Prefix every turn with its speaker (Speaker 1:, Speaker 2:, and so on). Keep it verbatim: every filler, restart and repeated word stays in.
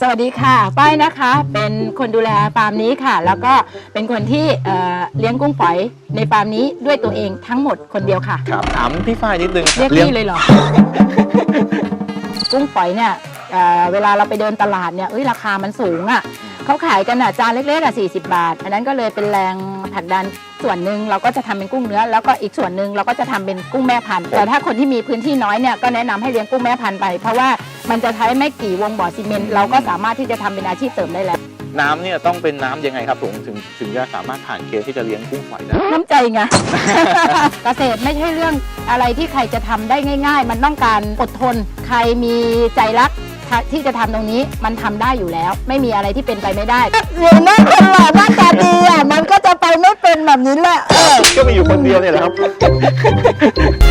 Speaker 1: สวัสดีค่ะป้ายนะคะเป็นคนดูแลฟาร์มนี้ค่ะแล้วก็เป็นคนที่เอ่อเลี้ยงกุ้งฝอยในฟาร์มนี้ด้วยตัวเองทั้งหมดคนเดียวค่ะ
Speaker 2: ครับถามพี่ฝ้ายนิดนึง
Speaker 1: เรียกพี่เลยเหรอ กุ้งฝอยเนี่ยเอ่อเวลาเราไปเดินตลาดเนี่ยเอ้ยราคามันสูงอ่ะเขาขายกันอ่ะจานเล็กๆอ่ะสี่สิบบาทอันนั้นก็เลยเป็นแรงผลักดันส่วนหนึ่งเราก็จะทำเป็นกุ้งเนื้อแล้วก็อีกส่วนหนึ่งเราก็จะทำเป็นกุ้งแม่พันธุ์แต่ถ้าคนที่มีพื้นที่น้อยเนี่ยก็แนะนำให้เลี้ยงกุ้งแม่พันธุ์ไปเพราะว่ามันจะใช้ไม่กี่วงบ่อซีเมนต์เราก็สามารถที่จะทำเป็นอาชีพเสริมได้แล้ว
Speaker 2: น้ำเนี่ยต้องเป็นน้ำยังไงครับผมถึงถึงจะสามารถผ่านเกณฑ์ที่จะเลี้ยงกุ้งฝอยได้
Speaker 1: น้ำใจไง เกษตรไม่ใช่เรื่องอะไรที่ใครจะทำได้ง่าย ๆ มันต้องการอดทนใครมีใจรักที่จะทำตรงนี้มันทำได้อยู่แล้ว ไม่มีอะไรที่เป็นไปไม่ได้เห็นหน้าคนหล่อหน้าตาดีอ่ะมันก็จะไปไม่เป็นแบบนี้แหละ
Speaker 2: ก็มีอยู่คนเดียวเนี่ยแหละครับ